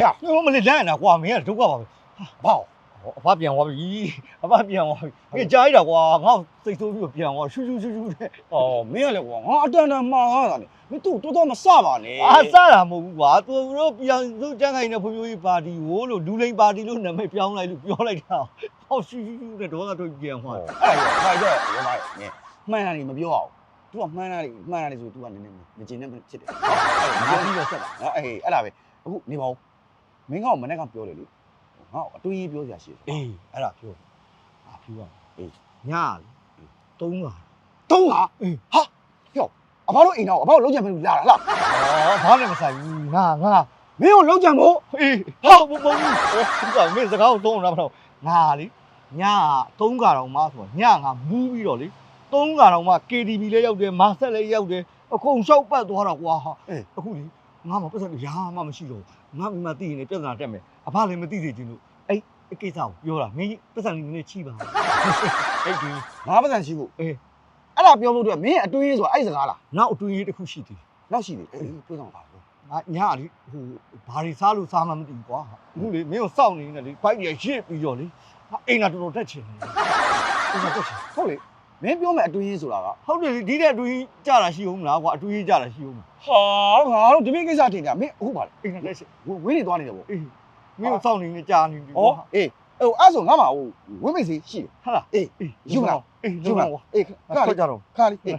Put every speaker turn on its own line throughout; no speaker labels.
呀，我们来来呢，我没都过跑，我变我一，我变我，你加一点我最多就变我，咻的。
哦，没有了我等妈啊你都他妈傻吧你？
啊，啥啦冇话，都变都真系那朋友巴蒂，我咯路嚟巴蒂咯，那咪变来跳，好咻的多都变化。
哎呀，快点，我买你，买那里没标好，都说买那里就都话你今天不吃的，哎，你就吃吧，哎，哎那呗，你冇，明我们那个标的哩，啊，对标下去，
诶，အဲ့ဒါပြော啊，ညာ3啊
都啊，哈，哟，阿爸都赢了，阿爸老蒋没来了，
ဘာနဲ့မဆိုင်ဘူးငါ
没有老蒋冇，
ဟာမင်းစကားကိုသုံးတာမဟုတ်ငါလေညာ3ကတော့မှဆိုညငါမူးပြီးတော့လေ3ကတော့မှ KTV လည်းရောက်တယ်မာဆက်လည်းရောက်တယ်အကုန်လျှောက်ပတ်သွားတော့ကွာအခုလေငါမှပတ်စံရာမှမရှိတော့ငါမိမသိရင်လည်းပြဿနာတက်မယ်အဖလည်းမသိစေချင်လို့အဲ့ကိစ္စကိုပြောတာမင်းပတ်စံလေးနည်းနည်းချိပါအဲ့ဒီ
ငါပတ်စံရှိဖို့အဲ့ဒါပြောလို့တော့မင်းအတွင်းရေးဆိုတာအဲ့စကားလား
နောက်အတွင်းရေးတစ်ခုရှိသေးတယ်
နောက်ရှိသေးပြောဆောင်ပါဘူး
ငါညာလေဟိုဘာတွေစားလို့စားမှမသိဘူးကွာအခုလေမင်းကိုစောင့်နေနေလေဘိုက်ကြီးရစ်ပြီးတော့လေအိမ်သာတော်တက်ချင်တယ်အိမ်သာတက်ချင်
ဟုတ်လေမင်းပြောမယ်အတွင်းရေးဆိုတာက
ဟုတ်တယ်ဒီတဲ့အတွင်းကြတာရှိဦးမလားကွာအတွင်းကြတာရှိဦးမလား
ဟာငါတို့ဒီမိကိစ္စထင်ကြမင်းအခုပါလေ
အိမ်သာတက်ချင်
ဝင်းနေသွားနေတယ်ဗော
အေးမင်းကိုစောင့်နေနေကြာနေပြီ
ဩအေးအဲ့ဆိုငါမှဟိုဝင်းမိတ်စီရှိတယ်
ဟာလား
အေးယူမလား
အေး
ယူမလားအေးခါလေး
ကြတော့
ခါလေးအေး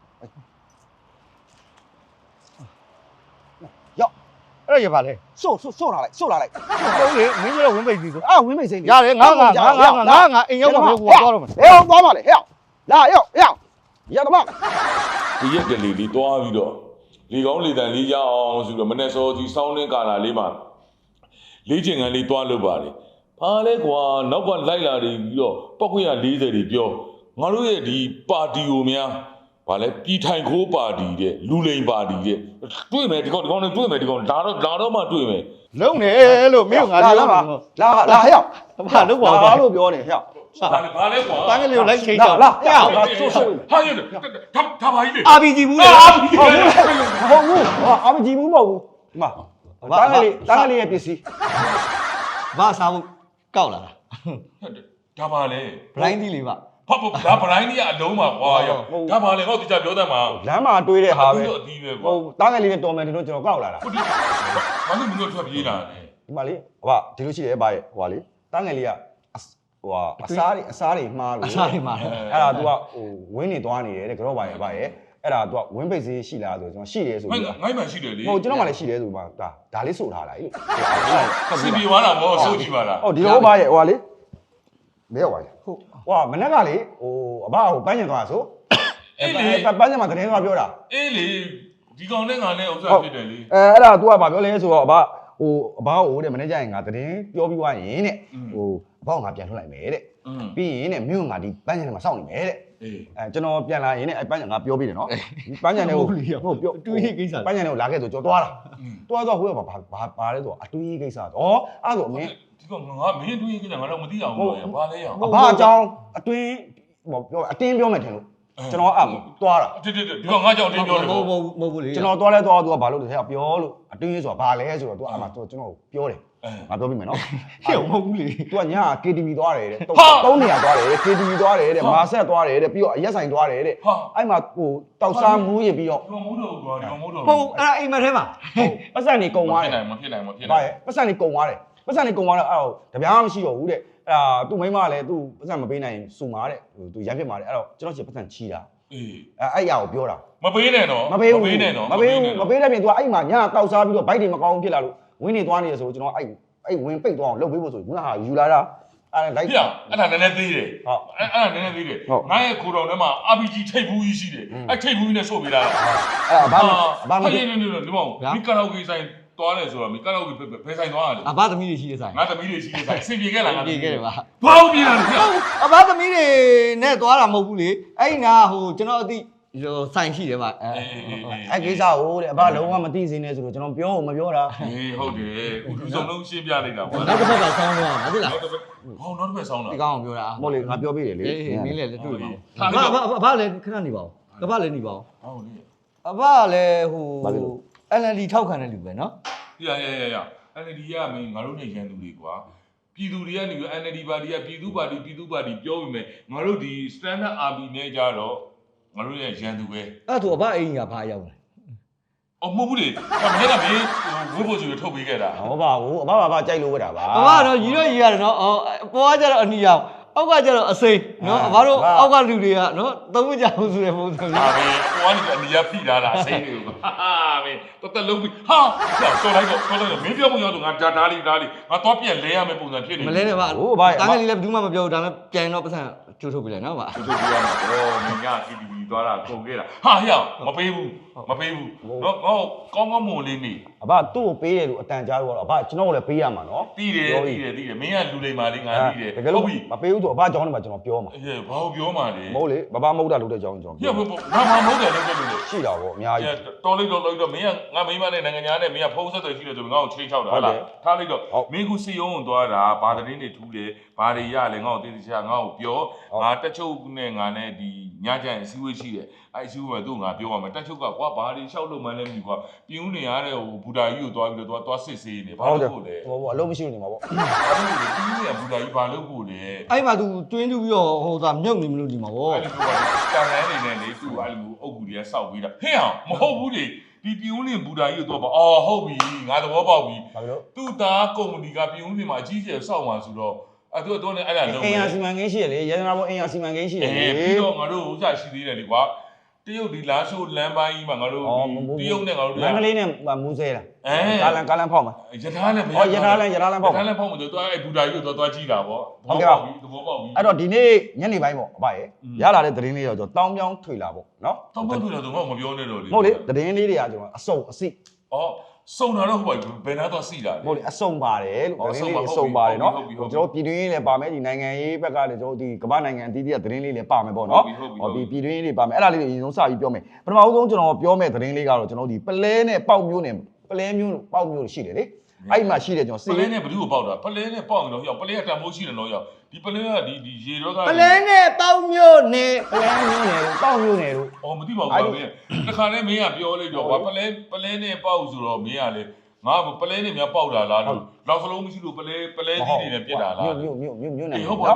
ရောက်
အဲ့ရပါလေ
စို့လာလိုက်
ဟုတ်လေမင်းတို့ဝင်းပိတ်စီဆို
ဝင်းမိတ်စိမ့်
ရတယ်ငါအိမ်ရောက်တော့ကိုသွားတော့မယ်
ဟဲ့သွားပါလေဟဲ့လာရောက်ရတော့မ
ဒီရက်ကလေးလေးတွားပြီးတော့လေကောင်းလေတန်လေးရအောင်ဆိုတော့မနေ့စောကြီးစောင်းနှင်းကာလာလေးမှာလေးချင်ကန်လေးတွားလုပ်ပါလေဘာလဲကွာနောက်ကလိုက်လာပြီးတော့ပောက်ခွင့်ရ40တွေပြောငါတို့ရဲ့ဒီပါတီကိုများဘာလဲပြည်ထိုင်ခိုးပါတီတဲ့လူလိန်ပါတီတဲ့တွေ့မယ်ဒီကောင်နဲ့တွေ့မယ်ဒီကောင်လာတော့မှတွေ့မယ်
လုံးနေလို့မင်းကငါပြောမှာ
လာဟဲ့
ဘာလို့ကွာ
ဘာလို့ပြောနေဟဲ့
ဘာလဲကွာ
တန်းကလေးကိုလိုက်ချိန်ကြ
လာ
ဟဲ့
ဟာရထားပါကြီးလေ
RPG ဘူးလေ
ဟုတ်ဘူးအာမကြည့်ဘူးမဟုတ်ဘူးဒီမှာတန်းကလေးရဲ့ပစ္စည်း
ဘာစားဖို့ကောက်လာတာ
ဒါပါလေ
ဘလိုင်းသီးလေးပါ
ဟုတ်ဒါဗလိုင်းကြီးအလုံးပါကွာရောဒါပါလေဟောဒီကြပြောတတ်မှာ
လမ်းမှာတွေးတဲ့ဟာပဲ
အသီးပဲကွာ
ဟိုတန်းကလေးနဲ့တော်မယ်တို့ကျွန်တော်ကောက်လာတာ
ဟုတ်ဒီဘာလို့မင်းတို့ထွက်ပြေးလာလဲ
ဒီမှာလေဟိုကဒီလိုရှိတယ်ဗျရဲ့ဟိုကလေတန်းငယ်လေးကဟိုကအစားတွေမှားလို့
အစားတွေမှား
အဲ့ဒါ तू ကဟိုဝင်းနေသွားနေတယ်တဲ့ကြောပါရဲ့ဗျရဲ့အဲ့ဒါ तू ကဝင်းပိတ်စေးရှိလားဆိုကျွန်တော်ရှိတယ်ဆိုပြီး
ငိုင်းမှရှိတယ်လေ
ဟိုကျွန်တော်မှလည်းရှိတယ်ဆိုမှဒါလေးစို့ထားလိုက်လို့
စီပြေသွားတာဘောစိုးကြည့်ပါလား
ဟုတ်ဒီလိုဗျရဲ့ဟိုကလေမဲရောက်ပါရဲ့ဟုတ်ဟိုကမနက်ကလေဟိုအဘဟိုပန်းကျင်သွားဆို
အေးလေ
ပန်းကျင်မှာသတင်းသွားပြောတာ
အေးလေဒီကောင်နဲ့ငါနဲ့ဥစ္စာဖြစ်တယ်လေ
အဲ့ဒါ तू ကဘာပြောလဲဆိုတော့အဘဟိုအဘဟိုတဲ့မနေ့ကျရင်ငါသတင်းပြောပြီးွားရင်တဲ့ဟိုအဘကငါပြန်ထွက်လိုက်မယ်တဲ့ပြီးရင်တဲ့မြို့ငါဒီပန်းကျင်ထဲမှာစောင့်နေမယ်တဲ့
အေး
ကျွန်တော်ပြန်လာရင်လည်းအဲ့ပန်းချန်ငါပြောပြီးတယ်နော်ဒီပန်းချန်တွေကိုဟုတ်ပြော
တွေးရေးကိစ္စ
ပန်းချန်တွေကိုလာခဲ့ဆိုကျွန်တော်သွားတာသွားဟိုကဘာလဲဆိုတော့အတွေးကိစ္စတော့အဲ့ဆိုအမင်း
ဒီကောင်ငါမင်းတွေးကြတယ်ငါတော့မသိအောင်လို့ဘာလဲရအောင်
အဘအကြောင်းအတွင်းဟိုပြောအတင်းပြောမယ်ထင်လို့ကျွန်တော်အဲ့သွားတာ
ဒီကောင်ငါကြောင့်တင်းပြောတယ်
မဟုတ်လေ
ကျွန်တော်သွားလဲသွားသူကဘာလို့လဲပြောလို့အတွင်းဆိုတာဘာလဲဆိုတော့သူကအဲ့မှာကျွန်တော်ပြောတယ်ငါပြောပြီးမယ်နော်
ဟဲ့မဟုတ်ဘူးလေ
သူကည KTV သွားတယ်တဲ့3နေရာသွားတယ် KTV သွားတယ်တဲ့မာဆက်သွားတယ်တဲ့ပြီးတော့အရက်ဆိုင်သွားတယ်တဲ့အဲ့မှာဟိုတောက်စားမူးရင်ပြီးတော့
ဒီကောင်မိုးတော့ကွာဒီကောင်မိုးတော့
ဟုတ်အဲ့အိမ်မထဲမှာ
ပတ်စံနေကုံသွားတယ်
မဖြစ်နိုင်
ဘာရဲ့ပတ်စံနေကုံသွားတယ်ပတ်စံနေကုံသွားတော့အဲ့တော့တပြားမရှိတော့ဘူးတဲ့အဲ့ဒါသူ့မိန်းမလည်းသူ့ပတ်စံမပေးနိုင်စူမာတဲ့သူရမ်းဖြစ်မာတယ်အဲ့တော့ကျွန်တော်ချစ်ပတ်စံချီတာ
အေး
အဲ့အရာကိုပြောတာ
မပေးနဲ့နော်
မပေးတဲ့ပြင်
နော်
သူကအဲ့မှာညတောက်စားပြီးတော့ဘိုက်တွေမကောင်းဖြစ်လာလို့ဝင်းနေသွားနေရဆိုကျွန်တော်အဲ့ဝင်းပိတ်သွားအောင်လုပ်ပေးဖို့ဆိုငါဟာယူလာတာအဲ့လိုက်
ပြအဲ့ဒါနည်းနည်းသေးတယ်ဟုတ်အဲ့ဒါနည်းနည်းသေးတယ်ငါရဲ့ကိုတော်ထဲမှာ RPG ထိတ်ဘူးကြီးရှိတယ်အဲ့ထိတ်ဘူးကြီးနဲ့ဆို့ပေးလာတာ
အဲ့ဘာမ
နေဒီမောင်မိကာရာအိုကေဆိုင်သွားတယ်ဆိုတော့မိကာရာအိုကေဘယ်ဆိုင်သွားရလဲ
အဘသမီးတွေရှိတဲ့ဆိုင်
ငါသမီးတွေရှိတဲ့ဆိုင်အဆင်ပြေခဲ့လားငါ
ပြေခဲ့တယ်ပါ
ဘာလို့ပြေးလာလဲ
အဘသမီးတွေနဲ့သွားတာမဟုတ်ဘူးလေအဲ့နာဟိုကျွန်တော်အသိဆိုင်ရှိတယ်ဗျ
အဲ့ကိစ္စဟိုတဲ့အဘလုံးဝမသိစင်းနေဆိုတော့ကျွန်တော်ပြောမပြောတာ
အေးဟုတ်တယ်ဦးစုံလုံးရှင်းပြလိုက်တာပေါ့
နောက်တစ်ခါဆောင်းသွားမှာဟုတ်လား
ဟောနောက်တစ်ဖက်ဆောင်းတာ
ဒီကောင်ကိုပြောတာ
မဟုတ်လေငါပြောပေးတယ်လေ
အေးမင်းလည်းတွေ့ပါအဘလည်းခဏနေပါဦးကဘလည်းနေပါဦး
ဟုတ်လေ
အဘလည်းဟို LND ထောက်ခံတဲ့လူပဲနော်
ရ NLD ကမင်းငါတို့နဲ့ရန်သူတွေကွာပြည်သူတွေကနေပြီး NLD ပါတီကပြည်သူပါတီပြောပြီးမယ်ငါတို့ဒီ standard army နဲ့ကြတော့ငါတို့ရဲ့ရန်သူပဲ
အဲ့ဆိုအဘအိမ်ကဘာရောက်လဲ
အော်မဟုတ်ဘူးလေမနေ့ကမင်းဝိဖို့ဆိုထုတ်ပေးခဲ့တာ
ဟောပါဘူးအဘဘာကြိုက်လို့ဝတ်တာပါ
အဘကတော့ရီတော့ရီရတယ်နော်ပေါ်ကကျတော့အနီရောက်အောက်ကကျတော့အစိမ်းနော်အဘတို့အောက်ကလူတွေကနော်သုံးမကြဘူးဆိုတဲ့ပုံစံမျိုး
ဟာပဲပေါ်ကနေအနီးဖိထားတာအစိမ်းတွေကိုဟာမင်းတော်လုံးပြီးဟာတော်လိုက်တော့မင်းပြောပုံရောက်တော့ငါဓာတ်လေးငါတော့ပြန်လဲရမယ့်ပုံစံဖြစ်နေ
မလဲနဲ့ဗျာ
ဟိုဘာ
တားငယ်လေးလည်းဘယ်သူမှမပြောဘူးဒါပေမဲ့ပြန်တော့ပတ်စံကျိုးထုတ်ပြီလေနော်ဗျာ
သူတို့ပြောမှာတော့မင်းက TTV သွားတာကုန်ခဲ့တာဟာဟျောက်မပေးဘူးတော့ကောင်းမွန်လေးနေ
အဘသူ့ကိုပေးတယ်လို့အတန်ကြားလို့အဘကျွန်တော်ကိုလည်းပေးရမှာနော်
တီးတယ်မင်းကလူလိမ္မာလေးငါတီးတယ်
တကယ်လို့မပေးဘူးဆိုအဘကြောင်းထဲမှာကျွန်တော်ပြောမှာ
အေးဘာလို့ပြောမှာလဲ
မဟုတ်လေဘဘမဟုတ်တာလုပ်တဲ့ကြောင်းကျွန်တော်
ညဘငါမဟုတ်တယ်လို့ပြောလို့
ရှိတာပေါ့အများကြီး
တော်လိုက်တော့မင်းကငါမိမနဲ့နိုင်ငံသားနဲ့မင်းကဖုန်းဆက်တယ်ရှိတယ်ဆိုငါ့ကိုချိန်ချောက်တာဟုတ်လားထားလိုက်တော့မင်းကူစီယုံကိုသွားတာဘာသတင်းတွေထူးတယ်ဘာတွေရလဲငါ့ကိုတေးသေးချာငါ့ကိုပြောငါတက်ချုပ်နဲ့ငါနဲ့ဒီညကြရင်အစည်းအဝေးရှိတယ်အဲ့အစည်းအဝေးမှာသူ့ငါပြောရမယ်တက်ချုပ်ကကွာဘာတွေလျှောက်လို့မှန်းလဲမသိကွာပြင်းဦးနေရတဲ့ဟိုဘူတာကြီးကိုသွားပြီးတော့သွားစစ်ဆေးနေဘာလို့ဖို့လဲ
ဟိုအလုံးမရှိနေမှာပေါ့
ဘာလို့လဲပြင်းဦးနေဘူတာကြီးဘာလို့ဖို့လဲ
အဲ့မှာ तू တွင်းတူပြီးတော့ဟိုသာမြုပ်နေမလို့ဒီမှာဗော
အဲ့လိုပြောတာတန်လန်းနေနဲ့လေသူ့အဲ့လိုအုပ်ကူတွေကစောက်ပြီးတာဟဲ့အောင်မဟုတ်ဘူးလေဒီပြင်းဦးနေဘူတာကြီးကိုသွားပါအော်ဟုတ်ပြီငါသဘောပေါက်ပြီ
ဘာလို့
သူ့သားကုမ္ပဏီကပြင်းဦးနေမှာအကြီးကျယ်စောက်မှာဆိုတော့အဲ့သူကတော့လည်းအဲ့ဒါလုံး
အင်အားစီမံကိန်းရှိရလေရတနာဘောအင်အားစီမံကိန်းရှိရလေ
ပြီးတော့ငါတို့ဥစ္စာရှိသေးတယ်လေကွာတရုတ်ဒီလာရှိုးလမ်းပိုင်းကြီးမှာငါတို့တရုတ်နဲ့ငါတို့
မန္တလေးနဲ့မူးဆဲလားကာလန်ဖောက်မှာ
ရထားနဲ့
ရထားလမ်းဖောက်
ရထားနဲ့ဖောက်မှာသူအဲ့ဘူတာကြီးကိုသွားကြည့်တာပေါ့သဘောပေါက်ပြီ
အဲ့တော့ဒီနေ့ညနေပိုင်းပေါ့အဘရဲ့ရလာတဲ့သတင်းလေးတော့ကျွန်တော်တောင်းပြောင်းထွေလာပေါ့နော်
တောင်းပန်သူလည်းသူမပြောနဲ့တော့လေ
မဟုတ်လေသတင်းလေးတွေကကျွန်တော်အစုံအစိ
အော်စုံတာတော့ဟုတ်ပါဘူးဘယ်နာတော့စီတာလေ
မဟုတ်လေအစုံပါတယ်လို့သတင်းလေးအစုံပါတယ်နော်ကျွန်တော်ပြည်တွင်းရေးလည်းပါမယ်ဒီနိုင်ငံရေးဘက်ကလည်းကျွန်တော်ဒီကမ္ဘာနိုင်ငံအသီးသီးကသတင်းလေးလည်းပါမယ်ပေါ့နော်ဒီပြည်တွင်းရေးတွေပါမယ်အဲ့ဒါလေးတွေအရင်ဆုံးစပြီးပြောမယ်ပထမဆုံးကျွန်တော်ပြောမယ်သတင်းလေးကတော့ကျွန်တော်ဒီပလဲနဲ့ပေါက်မျိုးနဲ့ပလဲမျိုးပေါက်မျိုးရှိတယ်လေအဲ့မှာရှိတယ်ကျွန်တော်
ပလဲနဲ့ဘယ်သူ့ကိုပေါက်တာပလဲနဲ့ပေါက်ရင်တော့ရောက်ပလဲကတန်မိုးရှိတယ်တော့ရောက်ဒီပလဲကဒီရေတော့က
ပလဲနဲ့ပေါက်မျိုးနဲ့
ပလဲမျိုးနဲ့ပေါက်မျိုးနဲ့လို့
အော်မသိပါဘူးကွာမင်းတခါလဲမင်းကပြောလိုက်တော့ကွာပလဲနဲ့ပေါက်ဆိုတော့မင်းကလေငါပလဲနဲ့များပေါက်တာလားလို့လောက်စလုံးမရှိလို့ပလဲကြီးတွေနဲ့ပြစ်တာလား
မျိုးနဲ့
ဟုတ်ပါ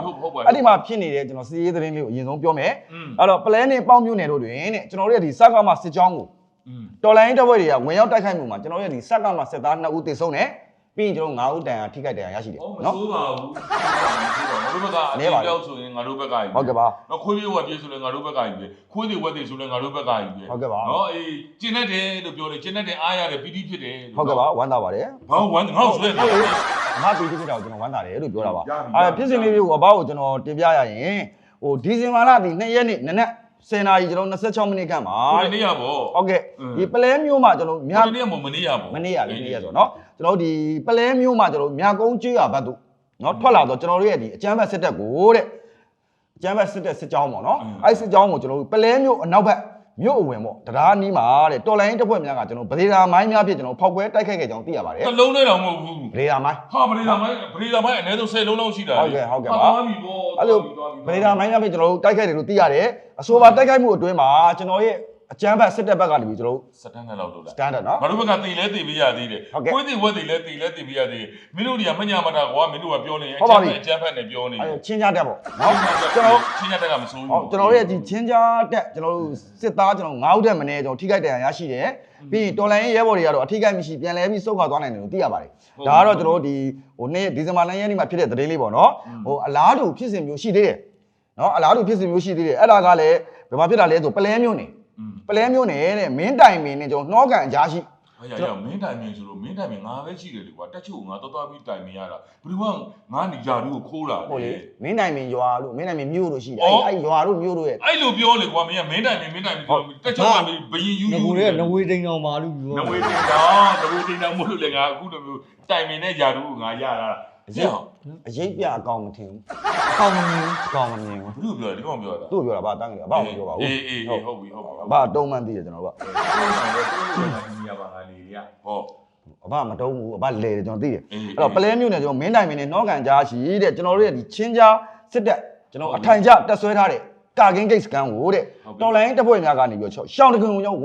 အဲ့ဒီမှာဖြစ်နေတဲ့ကျွန်တော်စီးရေးသတင်းလေးကိုအရင်ဆုံးပြောမယ်အဲ့တော့ပလဲနဲ့ပေါက်မျိုးနဲ့တို့တွင်တဲ့ကျွန်တော်တို့ရဲ့ဒီစကားမှာစစ်ကြောင်းကိုတော်လိုင်းတပ်ဖွဲ့တွေကဝင်ရောက်တိုက်ခိုက်မှုမှာကျွန်တော်တို့ရဲ့ဒီစကားမှာစစ်သား2ဦးသေဆုံးတယ်ပြီးရင်ကျွန်တော်9ဦးတန်ရာထိခိုက်တရားရရှိတယ်
နော်မဆိုးပါဘူးငါတို့ဘက်ကအတင်းပြောက်ဆိုရင်ငါတို့ဘက်ကကြီး
ဟုတ်ကဲ့ပါ
နော်ခွေးပြေးဝက်ပြေးဆိုရင်ငါတို့ဘက်ကကြီးပဲခွေးတွေဝက်တွေဆိုရင်ငါတို့ဘက်ကကြီးပဲ
ဟုတ်ကဲ့ပါ
နော်အေးကျင်းတတ်တယ်လို့ပြောတယ်ကျင်းတတ်တယ်အားရတယ်ပီတိဖြစ်တယ်
ဟုတ်ကဲ့ပါဝမ်းသာပါတယ်
ဘာဝမ်းငါ့ဆိုရင်
ငါပြီးဖြစ်တာကိုကျွန်တော်ဝမ်းသာတယ်လို့ပြောတာပါအဲ့ဖြစ်စဉ်လေးတွေကိုအဘောက်ကိုကျွန်တော်တင်ပြရရင်ဟိုဒီဇင်ဘာလဒီ2ရက်နေ့နနက်10နာရီကျွန်တော်26မိနစ်ခန့်ပါ
ဒီနေ့ရပေါ့
ဟုတ်ကဲ့ဒီပလဲမျိုးမှာကျွန်တော်မြ
ဒီနေ့မနေ့ရပေါ့
မနေ့ရလေနေ့ရဆိုတော့ကျွန်တော်ဒီပလဲမျိုးမှာကျွန်တော်မြကုန်းကျွော်ဘတ်တို့နော်ထွက်လာတော့ကျွန်တော်တို့ရဲ့ဒီအကျမ်းဘတ်စစ်တပ်ကိုတဲ့အကျမ်းဘတ်စစ်တပ်စစ်ကြောင်းပေါ့နော်အဲ့စစ်ကြောင်းကိုကျွန်တော်တို့ပလဲမျိုးအနောက်ဘက်မြို့အဝင်ပေါ့တရားနီးမှာတဲ့တော်လိုင်းတပ်ဖွဲ့များကကျွန်တော်ဗဒေတာမိုင်းများဖြစ်ကျွန်တော်ဖောက်ခွဲတိုက်ခိုက်ခဲ့ကြောင်းသိရပါတယ်
တစ်လုံးနဲ့တော့မဟုတ်ဘူး
ဗဒေတာမိုင်း
ဟာဗဒေတာမိုင်းအနည်းဆုံး10လုံးလောက်ရှိတာ
ဟုတ်ကဲ့ပါ
သွားပြီပေါ့
အဲ့လိုဗဒေတာမိုင်းများဖြစ်ကျွန်တော်တို့တိုက်ခိုက်တယ်လို့သိရတယ်အဆိုပါတိုက်ခိုက်မှုအတွင်းမှာကျွန်တော်ရဲ့အကျမ်းဘတ်စစ်တပ်ဘက်ကနေပြီးကျွန်တော်တို့
စတန်ဒတ်လောက်လုပ်တာ
standard နော်
ငါတို့ဘက်ကတေလဲတေပေးရသေးတယ်ခွေးတွေဝက်တွေလဲတေလဲတေပေးရသေးတယ်မင်းတို့တွေကမညာမတာကွာမင်းတို့ကပြောနေအကျန်းဖက်နဲ့ပြောနေ
အဲ့ချင်းကြတက်ပေါ့နော်ကျွန်တော်
ချင်းရတက်ကမစိုးဘူး
ဟုတ်ကျွန်တော်ရဲ့ဒီချင်းကြားတက်ကျွန်တော်တို့စစ်သားကျွန်တော်9ဦးတက်မနေကျွန်တော်ထိခိုက်တရားရရှိတယ်ပြီးရင်တော်လိုင်းရဲဘော်တွေကတော့အထိခိုက်မရှိပြန်လဲပြီးစုခွာသွားနိုင်တယ်လို့သိရပါတယ်ဒါကတော့ကျွန်တော်တို့ဒီဟိုနေ့ဒီဇင်ဘာလရက်နေ့မှာဖြစ်တဲ့သတင်းလေးပေါ့နော်ဟိုအလားတူဖြစ်စဉ်မျိုးရှိသေးတယ်နော်အလားတူဖြစ်စဉ်မျိုးရှိသေးတယ်အဲ့ဒါကလည်းဘယ်မှာဖြစ်တာလဲဆိုပလဲမျိုးနေပလဲမျိုးနေတဲ့မင်းတိုင်မင်းနဲ့ကျွန်တော်နှောကန်အကြားရှိ
အဲ့ရမင်းတိုင်မင်းဆိုလို့မင်းတိုင်မင်းငါပဲရှိတယ်လေကွာတက်ချုပ်ငါတော်ပြီးတိုင်မင်းရတာဘယ်သူကငါနေရာတို့ကိုခိုးတာ
ဟုတ်
လေ
လေမင်းတိုင်မင်းရွာလို့မင်းတိုင်မင်းမြို့လို့ရှိတယ်အဲ့ရွာတို့မြို့တို့ရဲ့
အဲ့လိုပြောလေကွာမင်းကမင်းတိုင်မင်းပြောတက်ချုပ်ကဘယင်ယူ
ငကူတွေကနဝေတိန်အောင်ပါလို့ပြော
နဝေတင်တောင်မို့လို့လေငါအခုလိုမျိုးတိုင်မင်းနဲ့ယာတို့ကိုငါရတာအရင်
အရေးပြအကောင်မထင်ဘူး
အကောင်မမြင်
အကောင်မမြင်ဘူး
ဘယ်လိုပြောလဲဒီကောင်ပြောတာ
သူ့ပြောတာဗာတန်းကြတယ်ဗာမပြောပါဘူး
အေးဟုတ်ပြီ
ဗာတုံးမှန်းသိတယ်ကျွန်တော်က
ဒီရပါငါနေရဟော
အဘမတုံးဘူးအဘလဲတယ်ကျွန်တော်သိတယ်အဲ့တော့ပလဲမျိုးနဲ့ကျွန်တော်မင်းတိုင်မင်းနဲ့နှောကန်ကြားရှိတဲ့ကျွန်တော်တို့ရဲ့ဒီချင်းကြားစစ်တပ်ကျွန်တော်အထိုင်ကျတက်ဆွဲထားတဲ့ကာကင်းဂိတ်စကန်ကိုတဲ့တော်လိုင်းတပ်ဖွဲ့များကနေပြီးတော့ရှောင်းတကွန်ကိုဝင်ရောက်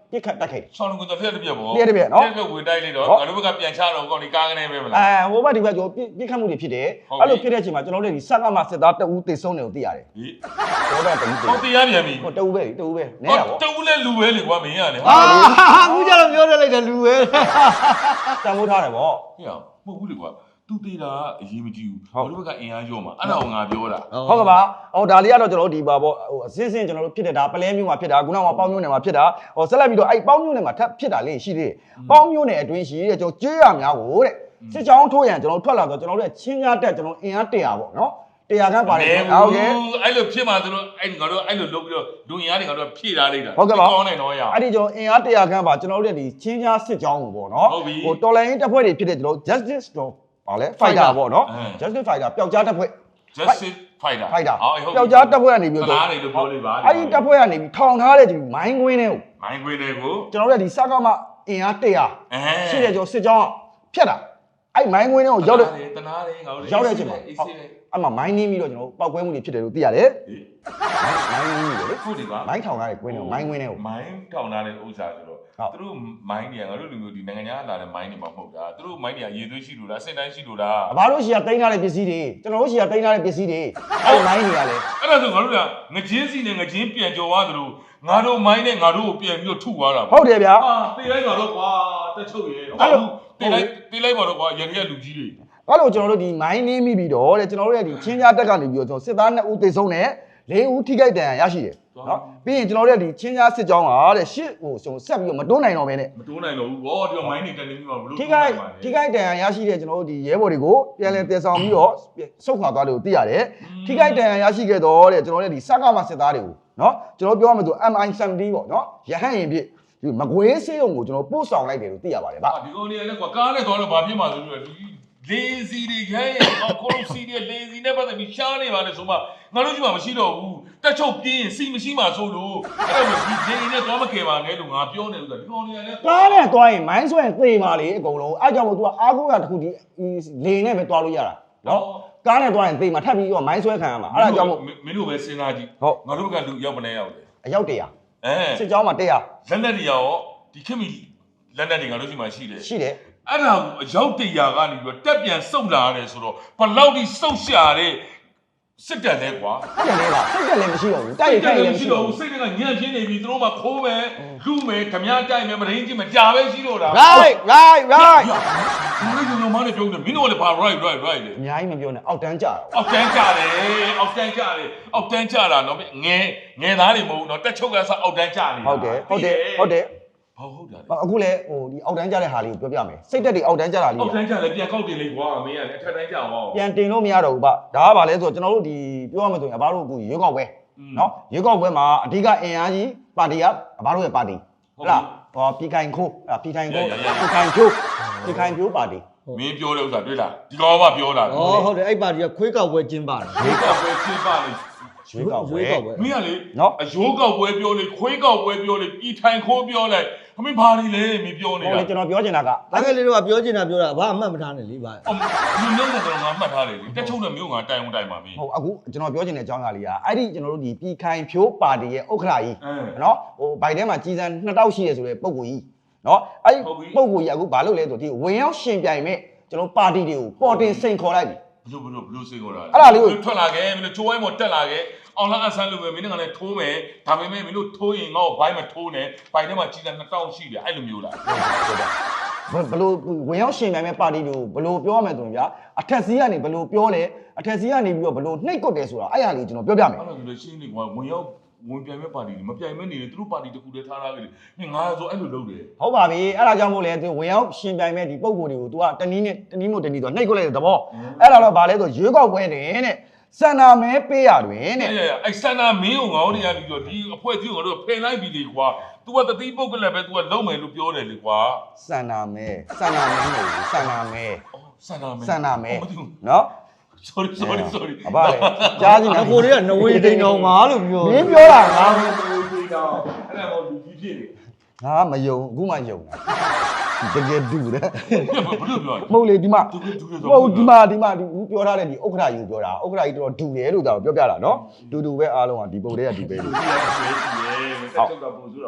ပြစ်ခတ်တက်ခဲ့တယ်
ဆောင်းလုံးကတော့ဖျက်တစ်ပြက်ပေါ့
ပြက်တစ်ပြက်နော်
ဖျက်ဝင်တိုက်လိုက်တော့ငါတို့ဘက်ကပြန်ချတော့ကောင်းဒီကားကနေပဲမလား
ဟိုဘက်ဒီဘက်ကျွန်တော်ပြစ်ခတ်မှုတွေဖြစ်တယ်အဲ့လိုဖြစ်တဲ့အချိန်မှာကျွန်တော်တို့ဒီစက်ကမှစစ်သားတအူးတေဆုံးတယ်ကိုသိရတယ်
ဟေး
တော့တအူးတေ
ဟောတရားပြန်ပြီ
ဟိုတအူးပဲနည်းတာပေါ့
တူလဲလူပဲလေကွာမင်းရလေ
အခုကျတော့ပြောရလိုက်တယ်လူပဲ
တန်ဖိုးထားတယ်ပေါ့
ဟေ့မဟုတ်ဘူးလေကွာသူတေးတာအရေးမကြီးဘူးငါတို့ဘက်ကအင်အားရောမှာအဲ့ဒါကိုငါပြောတာ
ဟုတ်ကဲ့ပါဟိုဒါလေးကတော့ကျွန်တော်တို့ဒီပါပေါ့ဟိုအစင်းစင်းကျွန်တော်တို့ဖြစ်တဲ့ဒါပလဲမျိုးမှာဖြစ်တာခုနကပေါင်းမျိုးနယ်မှာဖြစ်တာဟိုဆက်လက်ပြီးတော့အဲ့ပေါင်းမျိုးနယ်မှာထပ်ဖြစ်တာလေးရှိသေးတယ်ပေါင်းမျိုးနယ်အတွင်းရှိတဲ့ကျွန်တော်ကြေးရများကိုတဲ့စစ်ချောင်းထိုးရန်ကျွန်တော်ထွက်လာတော့ကျွန်တော်တို့ချင်းများတက်ကျွန်တော်အင်အား100ပေါ့နော်100ခန်းပါတယ်ဟုတ်ကဲ့
အဲ့လိုဖြစ်မှာသူတို့အဲ့ငါတို့အဲ့လိုလုပ်ပြီးတော့ဒုံရားတွေငါတို့ဖြည့်ထားလိုက်တာ
ဟုတ်ကဲ့ပါ
ကောင်းနေတော့ရ
အဲ့ဒီကျွန်တော်အင်အား100ခန်းပါကျွန်တော်တို့ဒီချင်းချားစစ်ကြောင်းကိုပေါ့နော်ဟိုတော်လိုင်းတပ်ဖွဲ့တွေဖြစ်တဲ့ကျွန်တော် justice တော့ဗာလဲ fighter ပေါ့နော် justice fighter ပျောက်ကြားတပ်ဖွဲ့
justice fighter
ပျောက်ကြားတပ်ဖွဲ့ကနေပြီးတော့
အားတွေလို့ပြောလိုက်ပါ
အဲ့ဒီတပ်ဖွဲ့ကနေပြီးထောင်ထားတဲ့ဒီမိုင်းကွင်းတွေကို
မိုင်းခွေးတွေကို
ကျွန်တော်တို့ဒီစကားမအင်အား100ရှိတယ်ကျွန်တော်စစ်ကြောင်းဖြတ်တာအဲ့မိုင်းကွင်းတွေကိုရောက်တဲ့
တနာတွေငါတို့
ရောက်တဲ့အချိန်မှာအဲ့မှာမိုင်းနင်းပြီးတော့ကျွန်တော်ပောက်ကွဲမှုတွေဖြစ်တယ်လို့သိရတယ်မိုင်းနင်းပြီးလေ
ဟုတ်တယ်ကွာ
မိုင်းထောင်ထားတဲ့ကွင်းတွေကိုမိုင်းကွင်းတွေကို
မိုင်းထောင်ထားတဲ့ဥစ္စာဆိုတော့သူတို့မိုင်းတွေကငါတို့လူမျိုးဒီနိုင်ငံခြားလာတဲ့မိုင်းတွေမှာမဟုတ်တာသူတို့မိုင်းတွေကရေသွေးရှိလို့လားအစင်တိုင်းရှိလို့လား
ဘာလို့ရှီကတိန်းထားတဲ့ပစ္စည်းတွေကျွန်တော်တို့ရှီကတိန်းထားတဲ့ပစ္စည်းတွေအဲ့မိုင်းတွေကလေ
အဲ့ဒါဆိုငါတို့ကငချင်းစီနဲ့ငချင်းပြန်ကြော်သွားသလိုငါတို့မိုင်းနဲ့ငါတို့ကိုပြန်ပြီးတော့ထုသွားတာ
ဟုတ်တယ်ဗျာ
ဟာတေးလိုက်ပါတော့ကွာတက်ချုပ်ရဲအဲ့လိုတေးလိုက်ပါတော့ကွာရန်ရလူကြီးတွေ
အဲ့လိုကျွန်တော်တို့ဒီမိုင်းနင်းမိပြီးတော့တဲ့ကျွန်တော်တို့ရဲ့ဒီချင်းကြားတက်ကနေပြီးတော့ကျွန်တော်စစ်သား2ဦးသေဆုံးတယ်4ဦးထိခိုက်ဒဏ်ရာရရှိတယ်နော်ပြီးရင်ကျွန်တော်တို့ရဲ့ဒီချင်းကြားစစ်ကြောင်းကတဲ့ရှစ်ဟိုဆက်ပြီးတော့မတွန်းနိုင်တော့ဘဲနဲ့
မတိုးနိုင်တော့ဘူးဗောဒီမိုင်းတွေတက်နေပြီးမှဘလို့
ထိခိုက်ဒဏ်ရာရရှိတဲ့ကျွန်တော်တို့ဒီရဲဘော်တွေကိုပြန်လည်တည်ဆောင်ပြီးတော့စုခွာသွားတယ်လို့သိရတယ်ထိခိုက်ဒဏ်ရာရရှိခဲ့တော့တဲ့ကျွန်တော်တို့ဒီစကားမစစ်သားတွေကိုနော်ကျွန်တော်ပြောရမယ်ဆို MI70 ပေါ့နော်ရဟန့်ရင်ဖြစ်ဒီမကွေးဆေးရုံကိုကျွန်တော်ပို့ဆောင်လိုက်တယ်လို့သိရပါတယ်ဗျ
ဒီကောင်လေးလည်းကွာကားနဲ့သွားတော့ဘာဖြစ်မှာဆိုလို့လေစီတွေခဲအော်ကိုလိုစီတွေလေစီနဲ့ပတ်သက်ပြီးရှားနေပါလေဆိုမှငါတို့ကြီးမှမရှိတော့ဘူးတက်ချုပ်ပြင်းစီမရှိမှဆိုလို့အဲ့တော့ဒီလေနဲ့သွားမကယ်ပါနဲ့လို့ငါပြောနေလို့ဆိုဒီကောင်လေးလည်း
ကားနဲ့သွားရင်မိုင်းဆွဲသေပါလေအကုန်လုံးအဲ့ကြောင့်မို့ तू အားကိုးရတစ်ခုဒီလေနဲ့ပဲသွားလို့ရတာနော်ကားနဲ့သွားရင်သေမှာထပ်ပြီးတော့မိုင်းဆွဲခံရမှာအဲ့ဒါကြောင့်မို့
မင်းတို့ပဲစဉ်းစားကြည့်ငါတို့ကလူရောက်မနေရောက်တယ်
အယောက်100စစ်ကြောင်းမှာ100
လက်နဲ့တွေရောဒီခင်မီလက်နဲ့တွေငါတို့ရှိမှရှိတယ်
ရှိတယ်
အဲ့ဒါကိုအရောက်100ကနေပြီးတော့တက်ပြန်စုပ်လာရတယ်ဆိုတော့ဘလောက်ထိစုပ်ရှာတဲ့စစ်တပ်လဲကွာ
ဟုတ်တယ်လေပါစိတ်တက်လည်းမရှိတော့ဘူးတိုက်ရိုက်ခိုက်လည်းမရှိတော့ဘူး
စိတ်ကညံ့ပြင်းနေပြီသူတို့မှခိုးမယ်လူမယ်ဓမြတိုက်မယ်မရင်းကြည့်မယ်ကြာပဲရှိတော့တာ
right
ဘာလို့ဒီလိုမှလည်းပြောတယ်မင်းတို့ကလည်းဘာ right လေ
အများကြီးမပြောနဲ့အောက်တန်းကြတာ
အောက်တန်းကြတယ်အောက်တန်းကြတယ်အောက်တန်းကြတာနော်ငယ်သားတွေမဟုတ်ဘူးနော်တက်ချုပ်ကစားအောက်တန်းကြနေ
ဟုတ်တယ်
ဘာဟုတ်တာလဲ
အခုလေဟိုဒီအောက်တန်းကြတဲ့ဟာလေးကိုပြောပြမယ်စိတ်တက်တွေအောက်တန်းကြတာလေး
အောက်တန်းကြလည်းပြန်ကောက်တင်လိုက်ကွာမင်းကလည်းအထက်တန်းကြအောင်
ပြန်တင်လို့မရတော့ဘူးဗျဒါကဘာလဲဆိုတော့ကျွန်တော်တို့ဒီပြောရမယ်ဆိုရင်အဘတို့အခုရွေးကောက်ပွဲနော်ရွေးကောက်ပွဲမှာအဓိကအင်အားကြီးပါတီကအဘတို့ရဲ့ပါတီဟုတ်လားဟောပြည်ခိုင်ခိုးပြည်ခိုင်ဖြိုးပါတီ
မင်းပြောတဲ့ဥစ္စာတွေ့လားဒီကောင်ကပြောတာ
ဩဟုတ်တယ်အဲ့ပါတီကခွေးကောက်ပွဲကျင်းပါတယ်
ရွေးကောက်ပွဲဖြစ်ပါလေ
ရွေးကောက်ပွဲ
မင်းကလေ
နော်
အယိုးကောက်ပွဲပြောလေခွေးကောက်ပွဲပြောလေပြည်ထိုင်ခိုးပြောလိုက်အမေဘာတွေလဲမင်းပြောနေ
ဟို
တာ
လေကျွန်တော်ပြောချင်တာက
တကယ်လေးတော့ပြောချင်တာပြောတာဘာအမှတ်မထားနဲ့လေဗျာ
ဒီမျိုးနဲ့တော့ငါမှတ်ထားတယ်လေတက်ချုပ်တဲ့မျိုးငါတိုင်အောင်တိုင်ပါမင်း
ဟုတ်အခုကျွန်တော်ပြောချင်တဲ့အကြောင်းအရာလေးကအဲ့ဒီကျွန်တော်တို့ဒီပြည်ခိုင်ဖြိုးပါတီရဲ့ဥက္ကဋ္ဌကြီးနော်ဟိုဘိုင်ထဲမှာကြီးစံ2000ရှိရဆိုတဲ့ပုံကိုကြီးနော်အဲ့ဒီပုံကိုကြီးအခုဘာလုပ်လဲဆိုဒီဝင်ရောက်ရှင်ပြိုင်မဲ့ကျွန်တော်ပါတီတွေကိုပေါ်တင်စိန်ခေါ်လိုက်ပြီ
ဘလို့စိတ်ခေါ်တာ
အဲ့ဒါလေးကို
ထွက်လာခဲ့မင်းတို့ချိုးဝိုင်းပေါ်တက်လာခဲ့အောင်လားအဆန်းလို့ပဲမင်းကလည်းထိုးမယ်ဒါပေမဲ့မင်းတို့ထိုးရင်ငါ့ကိုဘိုင်းမထိုးနဲ့ဘိုင်းထဲမှာကြီးစံ2000ရှိတယ်အဲ့လိုမျိုးလား
ဘလို့ဝင်ရောက်ရှင်ပြိုင်မဲ့ပါတီတွေကိုဘလို့ပြောရမယ်ဆိုရင်ဗျာအထက်စီးကနေဘလို့ပြောလဲအထက်စီးကနေပြီးတော့ဘလို့နှိပ်ကွက်တယ်ဆိုတာအဲ့ဟာလေးကျွန်တော်ပြောပြမယ်
အဲ့လိုဆိုလို့ရှင်းနေကွာဝင်ပြိုင်မဲ့ပါတီမပြိုင်မဲ့နေတယ်သူတို့ပါတီတစ်ခုတည်းထားထားကြတယ်မင်းငါဆိုအဲ့လိုလုပ်တယ်
ဟုတ်ပါပြီအဲ့ဒါကြောင့်မို့လဲသူဝင်ရောက်ရှင်ပြိုင်မဲ့ဒီပုံကိုတွေကို तू ကတနည်းမို့တနည်းတော့နှိပ်ကွက်လိုက်တဲ့သဘောအဲ့ဒါတော့ဗာလဲဆိုရွေးကောက်ပွဲတယ်တဲ့စန္ဒာမဲပေးရတွင်တဲ့
အဲ့စန္ဒာမင်းကိုငေါတွေရပြီးတော့ဒီအဖွဲ့အစည်းကိုတို့ဖယ်လိုက်ပြီလေကွာ तू ကတတိပုတ်ကလည်းပဲ तू ကလုံးမယ်လို့ပြောတယ်လေကွာ
စန္ဒာမဲမဟုတ်ဘူးစန္ဒာမဲ
စန္ဒာမင်း
စန္ဒာမဲနော်
sorry
အဘလေကြားနေတယ်
ကိုတွေကနဝေတိန်တော်မှာလို့ပြော
မင်းပြောတာငါ
အဲ့ဒါမို့လူကြီးဖြစ်နေ
ငါမယုံအခုမှယုံတာတကယ်ဒူတယ်
ဘယ်လိုပြောလဲ
မဟုတ်လေဒီမှာ
သူ
ဟုတ်ဒီမှာဒီဦးပြောထားတဲ့ဒီဥက္ကဋ္ဌကြီးကိုပြောတာဥက္ကဋ္ဌကြီးတော်ဒူတယ်လို့ဒါကိုပြောပြတာနော်ဒူပဲအားလုံးကဒီပုံတွေကဒီပဲလို့
တက်ချုပ်တာပုံစံတော့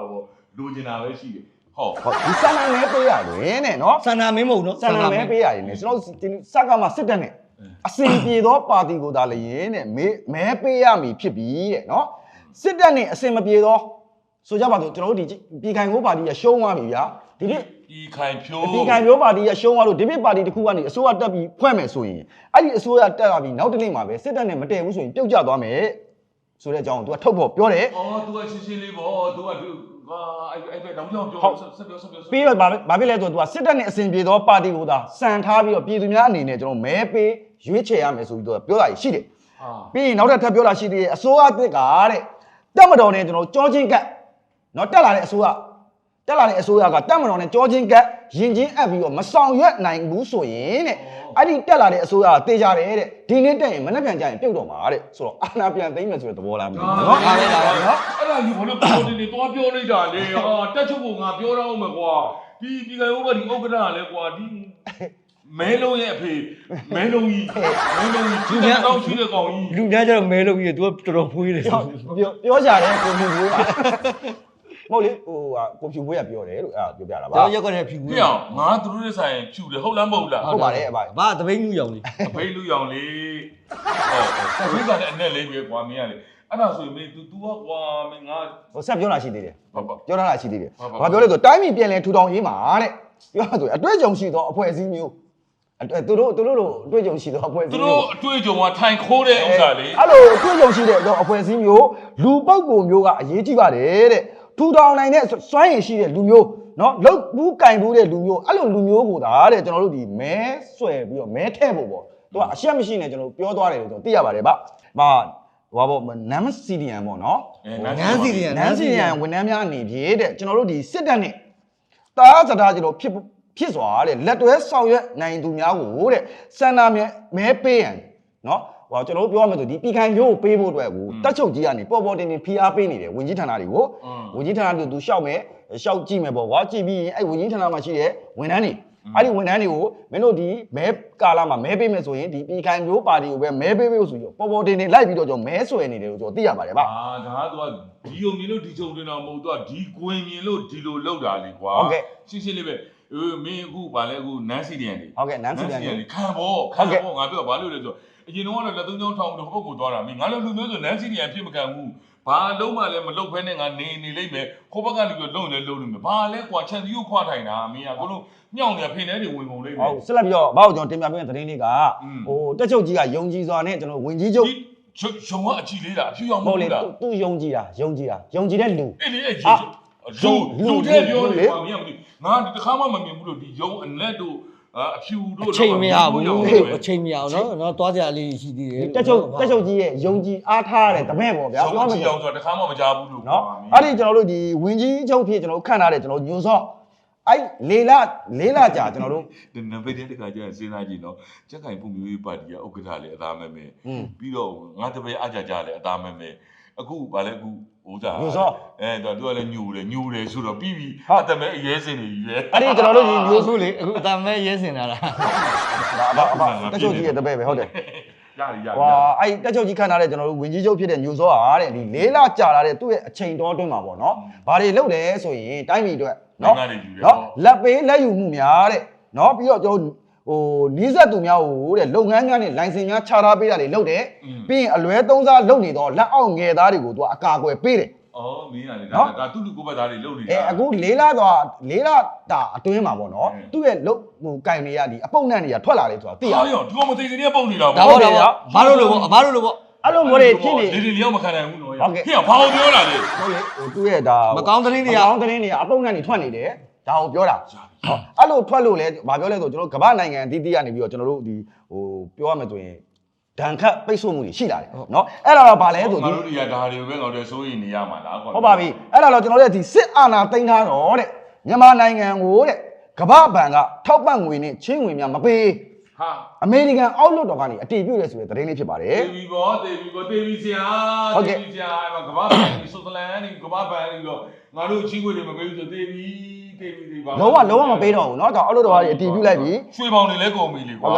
လိုချင်တာပဲရှိတယ်ဟုတ်
ဟုတ်ဒီဆန္ဒမဲပေးရတယ်နဲ့နော်
ဆန္ဒမင်းမဟုတ်နော်
ဆန္ဒမဲပေးရတယ်နဲ့ကျွန်တော်စက်ကမှစစ်တပ်နဲ့အစင်ပြေသောပါတီကိုသာလျင်တဲ့မဲပေးရမည်ဖြစ်ပြီးတဲ့နော်စစ်တပ်နဲ့အစင်မပြေသောဆိုကြပါစို့ကျွန်တော်တို့ဒီပြည်ခိုင်ကိုပါတီရရှုံးသွားပြီဗျာဒီနေ့
ဒီခိုင်ဖြိုး
ပြည်ခိုင်မျိုးပါတီရရှုံးသွားလို့ဒီနေ့ပါတီတစ်ခုကနေအစိုးရတက်ပြီးဖွဲ့မယ်ဆိုရင်အဲ့ဒီအစိုးရတက်လာပြီးနောက်တစ်နေ့မှာပဲစစ်တပ်နဲ့မတည့်ဘူးဆိုရင်ပြုတ်ကျသွားမယ်ဆိုတဲ့အကြောင်းကို तू ကထုတ်ဖို့ပြောတယ်
အော် तू ကရှင်းရှင်းလေးပေါ့ तू ကဟာအဲ့ဘက်တောင်ကြောင်ပြောဆက်ပြော
ပြီးတော့ဘာဖြစ်လဲဆိုတော့ तू ကစစ်တပ်နဲ့အစဉ်ပြေသောပါတီကိုသာစံထားပြီးတော့ပြည်သူများအနေနဲ့ကျွန်တော်မဲပေးရွေးချယ်ရမယ်ဆိုပြီးတော့ပြောတာရှိတယ်
ဟာ
ပြီးရင်နောက်ထပ်ထပ်ပြောတာရှိသေးတယ်အစိုးရအသစ်ကတဲ့တက်မတော်နဲ့ကျွန်တော်ကြောချင်းကတ်နော်တက်လာတဲ့အစိုးရကတက်မတော်နဲ့ကြောချင်းကတ်ရင်ချင်းအပ်ပြီးတော့မဆောင်ရွက်နိုင်ဘူးဆိုရင်တဲ့အဲ့ဒီတက်လာတဲ့အစိုးရကတေးကြတယ်တဲ့ဒီနေ့တက်ရင်မနေ့ပြန်ကြရင်ပြုတ်တော့မှာတဲ့ဆိုတော့အာဏာပြန်သိမ်းမယ်ဆိုတဲ့သဘောလားမသိဘူးနော်
အားရတာနော်
အဲ့ဒါကြီးဘာလို့ပေါ်တင်နေသွားပြောလိုက်တာလေဟာတက်ချုပ်ကငါပြောတော့မယ်ကွာဒီပြည်ခိုင်ဥပဒေဥက္ကဋ္ဌကလည်းကွာဒီမဲလုံးရဲ့အဖေမဲလုံးကြီးသူများတောင်းရှိတဲ့ကောင်ကြီး
လူများကျတော့မဲလို့ပြီးတော့ तू တော်တော်ဖွေးတယ်
ပြောကြတယ်ကိုဖြူပွေးကမဟုတ်လေဟိုကိုဖြူပွေးကပြောတယ်လို့အဲ့ဒါပြောပြတာပါ
ကျွန်တော်ရက်ကွက်နဲ့ဖြူဖွေး
ပြအောင်ငါသူတို့ရဲ့ဆိုင်ဖြူတယ်ဟုတ်လားမဟုတ်လား
ဟုတ်ပါတယ်အဘ
ဘာတပိန်းလူရောင်လေး
အဖေလူရောင်လေးဟုတ်ဒီကလည်းအနဲ့လေးပဲကွာမင်းကလေအဲ့ဒါဆိုရင်မင်း तू ကကွာမင်းငါ
ဟိုဆက်ပြောတာရှိသေးတယ်
ဟုတ်ပါ
ပြောထားတာရှိသေးတယ်
ဟုတ်ပါ
ဘာပြောလဲဆိုတိုင်းပြည်ပြည်လဲထူထောင်ရေးမှာတဲ့ပြောတာဆိုအတွေ့အကြုံရှိသောအဖွဲ့အစည်းမျိုးသူတို့လိုအတွေ့အကြုံရှိသောအဖွဲ့အစ
သူ
ည်း
တို့
မျိုး
အတွေ့အကြုံကထိုင်ခိုးတဲ့ဥစ္စာလေ
အဲ့လိုအတွေ့အကြုံရှိတဲ့အဖွဲ့အစည်းမျိုးလူပုဂ္ဂိုလ်မျိုးကအရေးကြီးပါတယ်တဲ့ထူထောင်နိုင်တဲ့စွမ်းရည်ရှိတဲ့လူမျိုးနော်လုတ်ဘူးကင်ဘူးတဲ့လူမျိုးအဲ့လိုလူမျိုးကိုဒါတဲ့ကျွန်တော်တို့ဒီမဲဆွဲပြီးတော့မဲထည့်ဖို့ပေါ့သူကအရှက်မရှိနဲ့ကျွန်တော်ပြောသွားတယ်လို့ကျွန်တော်သိရပါတယ်ဗျ။ဟာဟိုပေါ့နမ်စီဒီယန်ပေါ့နော်
နန်းစီရီယန်
နန်းစီဒီယန်ဝန်ထမ်းများအနေဖြင့်တဲ့ကျွန်တော်တို့ဒီစစ်တပ်နဲ့တားစတာကျွန်တော်ဖြစ်စွာတဲ့လက်တွဲဆောင်ရွက်နိုင်သူများကိုတဲ့စန္ဒမဲပေးရန်နော်ဟောကျွန်တော်တို့ပြောရမယ်ဆိုဒီပြည်ခိုင်မျိုးကိုပေးဖို့အတွက်ကိုတက်ချုပ်ကြီးကနေပေါ်တင်ဖိအားပေးနေတယ်ဝင်ကြီးဌာနတွေကိုဝင်ကြီးဌာနတို့သူရှောက်ကြည့်မယ်ပေါ့ကွာကြည့်ပြီးရင်အဲ့ဝင်ကြီးဌာနမှာရှိတဲ့ဝန်ထမ်းတွေအဲ့ဒီဝန်ထမ်းတွေကိုမင်းတို့ဒီမဲကာလာမှာမဲပေးမယ်ဆိုရင်ဒီပြည်ခိုင်မျိုးပါတီကိုပဲမဲပေးဖို့ဆိုပြီးပေါ်တင်လိုက်ပြီးတော့ကျွန်တော်မဲဆွဲနေတယ်လို့ကျွန်တော်သိရပါတယ်ဗျ
ဒါကဒီုံမြင်လို့ဒီချုံတင်တော့မဟုတ်တော့ဒီကွင်မြင်လို့ဒီလိုလောက်တာလေကွာရှင်းလေးပဲမင်းအခုဗာလဲအခုနန်းစီဒီယန်လေ
ဟုတ်ကဲ့နန်းစီဒီယန်
ခံဖို့ငါပြောဘာလို့လဲဆိုအရင်တော့လက်သုံးချောင်းထောင်ပြီးတော့ဟိုဘက်ကိုသွားတာမင်းငါလည်းလူမျိုးဆိုနန်းစီဒီယန်ဖြစ်မခံဘူးဘာလုံးမှလည်းမလုတ်ဖဲနဲ့ငါနေလိမ့်မယ်ခိုးဘက်ကလူပြီးလုံနေလုံနေမယ်ဘာလဲကွာချန်စီကိုခွာထိုင်တာမင်းကကိုလုံးညောင်းနေဖိနေတွေဝင်ကုန်လိမ့်မယ်
ဟုတ်ဆက်လက်ပြီးတော့ဘာလို့ကျွန်တော်တင်ပြပေးတဲ့သတင်းလေးကဟိုတက်ချုပ်ကြီးကယုံကြည်စွာနဲ့ကျွန်တော်ဝင်ကြီးချုပ်
ရုံကအကြည့်လေးလားအဖြူအောင်မ
ဟု
ဟုတ်
တ်လေ
ဘူးလား
သူယုံကြည်တဲ့လူ
အဲ့လေလူတဲ့ပြောနေပါမင်းကငါဒီတစ်ခါမှမမြင်ဘူးလို့ဒီယုံအနက်တို့အဖြူတို့
အချိန်မရဘူးအချိန်မရအောင်နော်သွားကြလေးရှိသေးတယ်
တက်ချုပ်ကြီးရဲ့ယုံကြည်အားထားတဲ့တပည့်ပေါ့ဗျာ
ပြောမယ်အောင်ဆိုတော့တစ်ခါမှမကြားဘူးလို့
နော်အဲ့ဒီကျွန်တော်တို့ဒီဝင်ကြီးချုပ်ဖြစ်ကျွန်တော်ခန့်ထားတဲ့ကျွန်တော်ညွန်စော့အဲ့လေးလကြာကျွန်တော်တို့
ဒီနံပါတ်တစ်ခါကျရင်စဉ်းစားကြည့်နော်ကြက်ကင်ပုံမျိုးရေးပါတီကဥက္ကဋ္ဌလည်းအသားမဲမဲပြီးတော့ငါတပည့်အကြကြလည်းအသားမဲမဲအခုဗာလဲအခုဟိုစားသူကလည်းညူတယ်ဆိုတော့ပြီးပြီအတမဲအရေးစင်နေပြီပဲ
အဲ့ဒီကျွန်တော်တို့ဒီမျိုး
အခုလေအခုအတမဲရဲစင်လာတာ
တက်ချုပ်ကြီးရဲ့တပည့်ပဲဟုတ်တယ်
ရ
ဟွာအဲ့တက်ချုပ်ကြီးခန့်ထားတဲ့ကျွန်တော်တို့ဝင်ကြီးချုပ်ဖြစ်တဲ့ညိုစောဟာတဲ့ဒီလေးလကြာလာတဲ့သူ့ရဲ့အချိန်တော်အတွင်းမှာပေါ့နော်ဘာတွေလုပ်လဲဆိုရင်တိုင်းပြည်အတွက်နော်လက်ပေးလက်ယူမှုများတဲ့နော်ပြီးတော့ကျွန်တော်ဟိုနီးစပ်သူများဟိုတဲ့လုပ်ငန်းများနဲ့လိုင်စင်များချထားပေးတာတွေလုပ်တယ်ပြီးရင်အလွဲသုံးစားလုပ်နေတော့လက်အောက်ငယ်သားတွေကိုသူကအကာအကွယ်ပေးတယ်
အော်မင်းကလေဒါသူ့လူကိုဘက်သားတွေလုပ်နေတာ
အခုလေးလတာအတွင်းမှာပေါ့နော်သူ့ရဲ့လုပ်ဟိုကင်တွေကဒီအပုပ်နှံ့တွေကထွက်လာတယ်ဆိုတာသိရ
ဟာရောဒီကောင်မသိခင်တည်းပုံနေတာ
ဒါပေါ့ဘာလို့လို့ပေါ့ဘာလို့လို့ပေါ့
အဲ့လိုမျိုးတွေဖြစ်နေ
ဒီလျောက်မခံနိုင်ဘူးနော်
ဟုတ်ကဲ့
ဟဲ့ဘာလို့ပြောလာလဲ
ဟုတ်လေဟိုသူ့ရဲ့ဒါ
မကောင်းသတင်းတွေ
မကောင်းသတင်းတွေကအပုပ်နှံ့တွေထွက်နေတယ်ဒါကိုပြောတာအဲ့လိုထွက်လို့လဲဘာပြောလဲဆိုကျွန်တော်ကမ္ဘာနိုင်ငံအသီးသီးကနေပြီးတော့ကျွန်တော်တို့ဒီဟိုပြောရမယ်ဆိုရင်ဒဏ်ခတ်ပိတ်ဆို့မှုတွေရှိလာတယ်နော်အဲ့ဒါတော့ဗာလဲဆို
ငါ
ဒီ
တို့တွေကဒါတွေကိုပဲငါတို့စိုးရင်နေရမှာလားကွာ
ဟုတ်ပါပြီအဲ့ဒါတော့ကျွန်တော်တို့ဒီစစ်အာဏာသိမ်းထားတော့တဲ့မြန်မာနိုင်ငံကိုတဲ့ကမ္ဘာဘဏ်ကထောက်ပံ့ငွေနဲ့ချင်းငွေများမပေး
ဟာ
အမေရိကန်အောက်လွှတ်တော်ကနေအတည်ပြုတယ်ဆိုတဲ့သတင်းလေးဖြစ်ပါတယ်
တေဗီဘောတေဗီဆရာတေဗီဆရာကဘာဘန်ဒီဆိုသလန်ဒီကဘာဘန်ဒီတော့ငါတို့ချင်းခွေတွေမပေးဘူးဆိုတေဗီပါ
လုံးဝမပေးတော့ဘူးเนาะဒါအောက်လွှတ်တော်ကနေအတည်ပြုလိုက်ပြီ
ရွှေပေါင်တွေလည်းကုန်ပြီလေကွာ
ဟုတ်ကဲ့ပါ